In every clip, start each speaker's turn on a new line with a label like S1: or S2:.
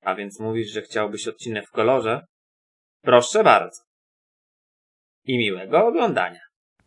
S1: A więc mówisz, że chciałbyś odcinek w kolorze? Proszę bardzo. I miłego oglądania.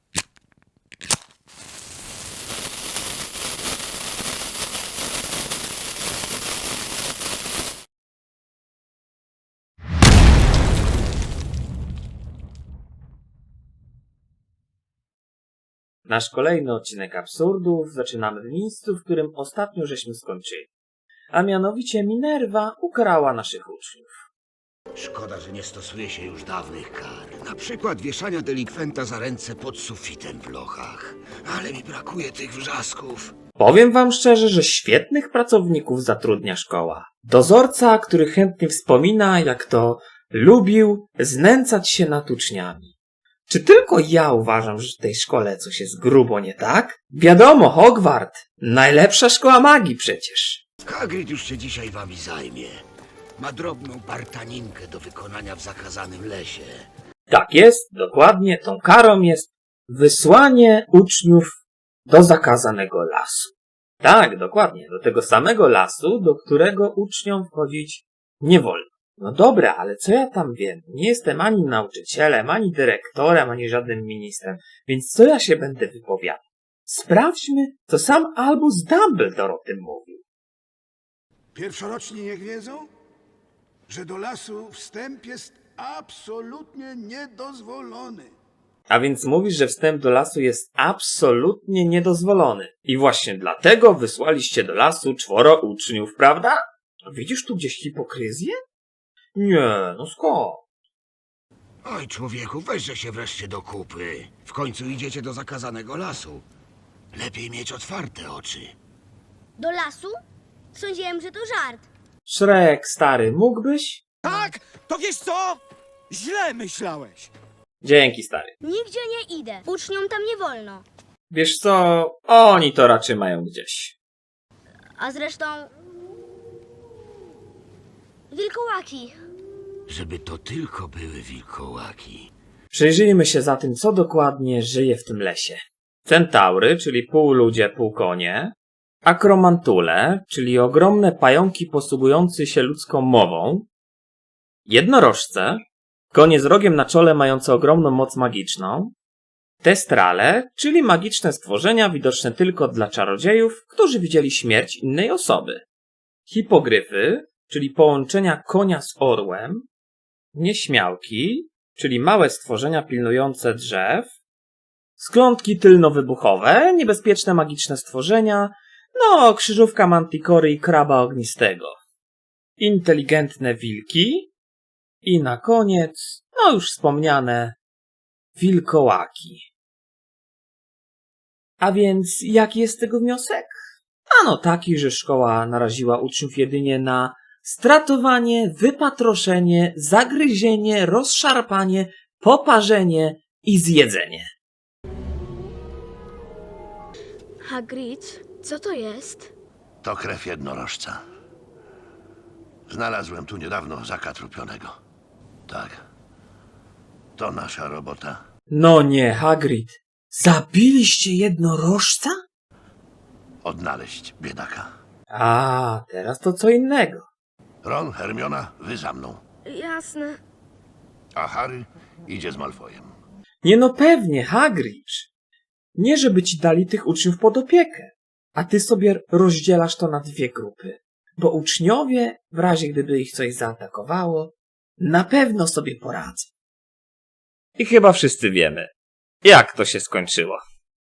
S1: Nasz kolejny odcinek absurdów zaczynamy w miejscu, w którym ostatnio żeśmy skończyli. A mianowicie Minerva ukarała naszych uczniów.
S2: Szkoda, że nie stosuje się już dawnych kar. Na przykład wieszania delikwenta za ręce pod sufitem w lochach. Ale mi brakuje tych wrzasków.
S1: Powiem wam szczerze, że świetnych pracowników zatrudnia szkoła. Dozorca, który chętnie wspomina, jak to lubił znęcać się nad uczniami. Czy tylko ja uważam, że w tej szkole coś jest grubo nie tak? Wiadomo, Hogwart. Najlepsza szkoła magii przecież.
S2: Hagrid już się dzisiaj wami zajmie. Ma drobną bartaninkę do wykonania w zakazanym lesie.
S1: Tak jest, dokładnie. Tą karą jest wysłanie uczniów do zakazanego lasu. Tak, dokładnie. Do tego samego lasu, do którego uczniom wchodzić nie wolno. No dobra, ale co ja tam wiem? Nie jestem ani nauczycielem, ani dyrektorem, ani żadnym ministrem, więc co ja się będę wypowiadał? Sprawdźmy, co sam Albus Dumbledore o tym mówił.
S3: Pierwszoroczni niech wiedzą, że do lasu wstęp jest absolutnie niedozwolony.
S1: A więc mówisz, że wstęp do lasu jest absolutnie niedozwolony. I właśnie dlatego wysłaliście do lasu 4 uczniów, prawda? Widzisz tu gdzieś hipokryzję? Nie, no skąd?
S2: Oj, człowieku, weźże się wreszcie do kupy. W końcu idziecie do zakazanego lasu. Lepiej mieć otwarte oczy.
S4: Do lasu? Sądziłem, że to żart.
S1: Szrek, stary, mógłbyś?
S5: Tak, to wiesz co? Źle myślałeś.
S1: Dzięki, stary.
S4: Nigdzie nie idę. Uczniom tam nie wolno.
S1: Wiesz co, oni to raczej mają gdzieś.
S4: A zresztą... wilkołaki.
S2: Żeby to tylko były wilkołaki.
S1: Przyjrzyjmy się zatem, co dokładnie żyje w tym lesie. Centaury, czyli pół ludzie, pół konie. Akromantule, czyli ogromne pająki posługujące się ludzką mową. Jednorożce, konie z rogiem na czole mające ogromną moc magiczną. Testrale, czyli magiczne stworzenia widoczne tylko dla czarodziejów, którzy widzieli śmierć innej osoby. Hipogryfy, czyli połączenia konia z orłem. Nieśmiałki, czyli małe stworzenia pilnujące drzew. Sklątki tylnowybuchowe, niebezpieczne magiczne stworzenia. No, krzyżówka Manticory i kraba ognistego. Inteligentne wilki. I na koniec, no już wspomniane, wilkołaki. A więc jaki jest tego wniosek? Ano taki, że szkoła naraziła uczniów jedynie na stratowanie, wypatroszenie, zagryzienie, rozszarpanie, poparzenie i zjedzenie.
S4: Hagrid, co to jest?
S6: To krew jednorożca. Znalazłem tu niedawno zakatrupionego. Tak. To nasza robota.
S1: No nie, Hagrid. Zabiliście jednorożca?
S6: Odnaleźć biedaka.
S1: A, teraz to co innego.
S6: Ron, Hermiona, wy za mną.
S4: Jasne.
S6: A Harry idzie z Malfoyem.
S1: Nie no pewnie, Hagrid. Nie żeby ci dali tych uczniów pod opiekę, a ty sobie rozdzielasz to na 2 grupy. Bo uczniowie, w razie gdyby ich coś zaatakowało, na pewno sobie poradzą. I chyba wszyscy wiemy, jak to się skończyło.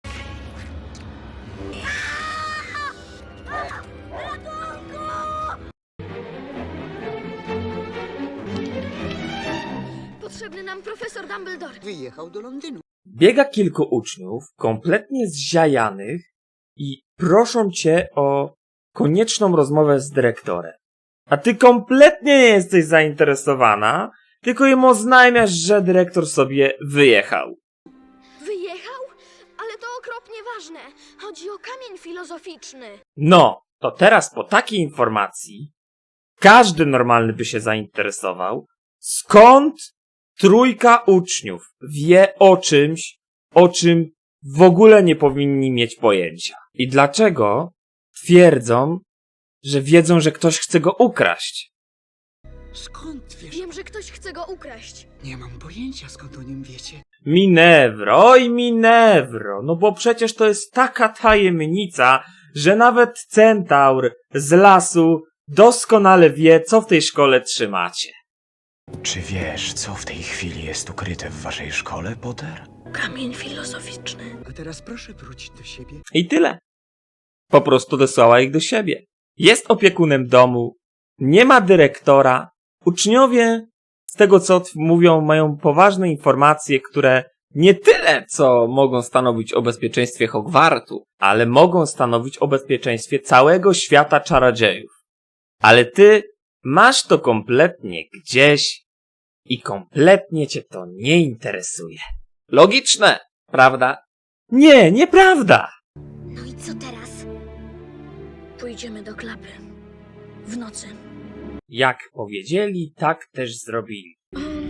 S4: Potrzebny nam profesor Dumbledore.
S5: Wyjechał do Londynu.
S1: Biega kilku uczniów, kompletnie zziajanych i proszą cię o konieczną rozmowę z dyrektorem. A ty kompletnie nie jesteś zainteresowana, tylko im oznajmiasz, że dyrektor sobie wyjechał.
S4: Wyjechał? Ale to okropnie ważne. Chodzi o kamień filozoficzny.
S1: No, to teraz po takiej informacji każdy normalny by się zainteresował, skąd 3 uczniów wie o czymś, o czym w ogóle nie powinni mieć pojęcia. I dlaczego twierdzą, że wiedzą, że ktoś chce go ukraść?
S7: Skąd wiesz?
S4: Wiem, że ktoś chce go ukraść.
S7: Nie mam pojęcia, skąd o nim wiecie.
S1: Minewro, oj Minewro, no bo przecież to jest taka tajemnica, że nawet centaur z lasu doskonale wie, co w tej szkole trzymacie.
S8: Czy wiesz, co w tej chwili jest ukryte w waszej szkole, Potter?
S4: Kamień filozoficzny.
S7: A teraz proszę wrócić do siebie.
S1: I tyle. Po prostu wysłała ich do siebie. Jest opiekunem domu, nie ma dyrektora, uczniowie, z tego co mówią, mają poważne informacje, które nie tyle, co mogą stanowić o bezpieczeństwie Hogwartu, ale mogą stanowić o bezpieczeństwie całego świata czarodziejów. Ale ty masz to kompletnie gdzieś i kompletnie cię to nie interesuje. Logiczne, prawda? Nie, nieprawda!
S4: No i co teraz? Pójdziemy do klapy. W nocy.
S1: Jak powiedzieli, tak też zrobili.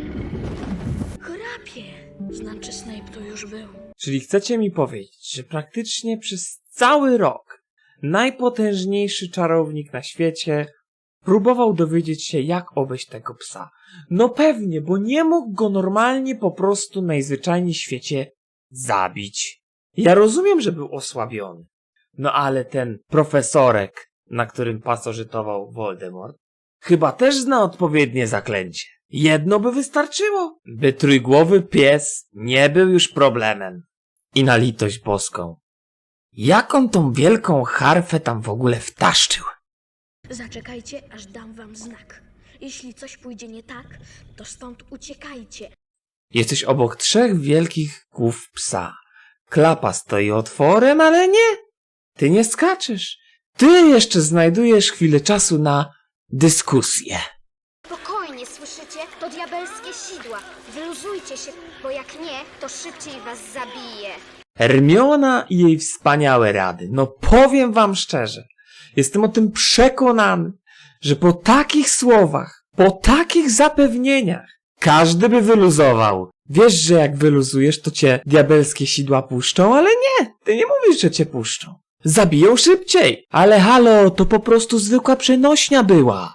S4: Chrapie. Znaczy Snape tu już był.
S1: Czyli chcecie mi powiedzieć, że praktycznie przez cały rok najpotężniejszy czarownik na świecie próbował dowiedzieć się, jak obejść tego psa. No pewnie, bo nie mógł go normalnie po prostu najzwyczajniej w świecie zabić. Ja rozumiem, że był osłabiony. No ale ten profesorek, na którym pasożytował Voldemort, chyba też zna odpowiednie zaklęcie. Jedno by wystarczyło, by trójgłowy pies nie był już problemem. I na litość boską, jak on tą wielką harfę tam w ogóle wtaszczył?
S4: Zaczekajcie, aż dam wam znak. Jeśli coś pójdzie nie tak, to stąd uciekajcie.
S1: Jesteś obok 3 wielkich głów psa. Klapa stoi otworem, ale nie. Ty nie skaczesz. Ty jeszcze znajdujesz chwilę czasu na dyskusję.
S4: Spokojnie, słyszycie? To diabelskie sidła. Wyluzujcie się, bo jak nie, to szybciej was zabije.
S1: Hermiona i jej wspaniałe rady. No powiem wam szczerze, jestem o tym przekonany, że po takich słowach, po takich zapewnieniach, każdy by wyluzował. Wiesz, że jak wyluzujesz, to cię diabelskie sidła puszczą, ale nie, ty nie mówisz, że cię puszczą. Zabiją szybciej. Ale halo, to po prostu zwykła przenośnia była.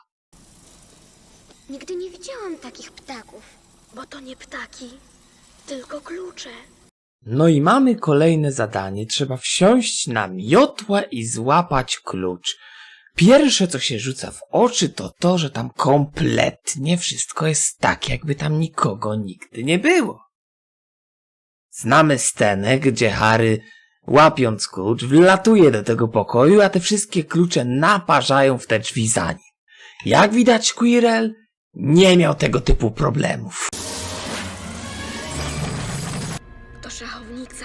S4: Nigdy nie widziałam takich ptaków. Bo to nie ptaki, tylko klucze.
S1: No i mamy kolejne zadanie. Trzeba wsiąść na miotłę i złapać klucz. Pierwsze, co się rzuca w oczy, to to, że tam kompletnie wszystko jest tak, jakby tam nikogo nigdy nie było. Znamy scenę, gdzie Harry, łapiąc klucz, wlatuje do tego pokoju, a te wszystkie klucze naparzają w te drzwi za nim. Jak widać, Quirrell nie miał tego typu problemów.
S4: To szachownica.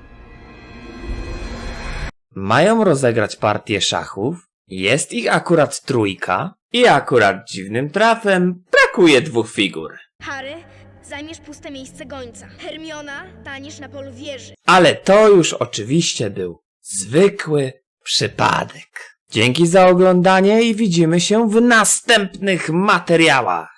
S1: Mają rozegrać partię szachów, jest ich akurat 3 i akurat dziwnym trafem brakuje 2 figur.
S4: Harry, zajmiesz puste miejsce gońca. Hermiona, tanisz na polu wieży.
S1: Ale to już oczywiście był zwykły przypadek. Dzięki za oglądanie i widzimy się w następnych materiałach.